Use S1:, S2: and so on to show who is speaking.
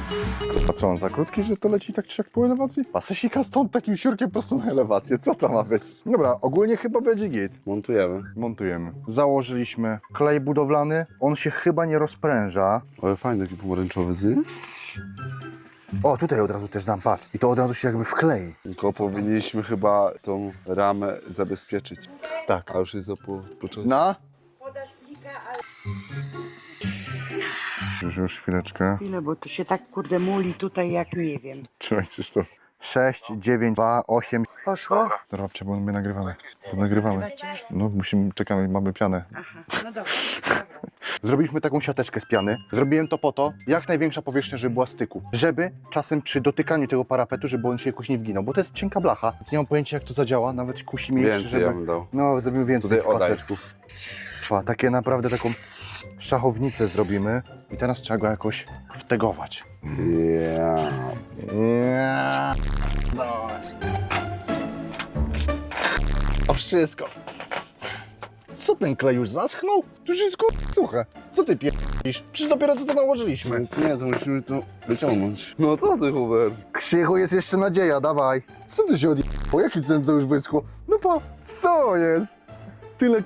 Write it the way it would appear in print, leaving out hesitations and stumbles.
S1: A co, on za krótki, że to leci tak czy jak po elewacji? Pasy sika stąd takim siurkiem prosto na elewację. Co to ma być? Dobra, ogólnie chyba będzie git.
S2: Montujemy.
S1: Montujemy. Założyliśmy klej budowlany. On się chyba nie rozpręża.
S2: Ale fajny taki pomarańczowy, nie?
S1: O, tutaj od razu też dam, patrz. I to od razu się jakby wklei.
S2: Tylko powinniśmy chyba tą ramę zabezpieczyć.
S1: Tak.
S2: A już jest za po czasie.
S1: Na?
S3: Podasz plika, ale...
S1: Już chwileczkę.
S3: Ile, bo to się tak kurde muli tutaj jak nie wiem.
S1: Trzymaj Krzysztof. 6, 9, 2, 8.
S3: Poszło?
S1: Robcie, bo my nagrywamy. Nagrywamy. No, czekamy, mamy pianę.
S3: Aha, no dobra.
S1: Zrobiliśmy taką siateczkę z piany. Zrobiłem to po to, jak największa powierzchnia, żeby była styku. Żeby czasem przy dotykaniu tego parapetu, żeby on się jakoś nie wginął, bo to jest cienka blacha. Więc nie mam pojęcia, jak to zadziała. Nawet kusi mnie jeszcze,
S2: Więcej
S1: żeby...
S2: ja bym dał.
S1: No, zrobimy więcej
S2: Tutaj
S1: tych
S2: oddaj.
S1: paseczków. Takie naprawdę taką szachownicę zrobimy. I teraz trzeba go jakoś wtegować. No. A wszystko. Co ten klej już zaschnął? To już jest suche. Co ty pierdolisz? Przecież dopiero co to nałożyliśmy.
S2: Nie, to musimy to wyciągnąć. No co ty, Hubert?
S1: Krzychu, jest jeszcze nadzieja, dawaj. Co ty się odjechało? Jaki cen to już wyschło? No pa, co jest? Tyle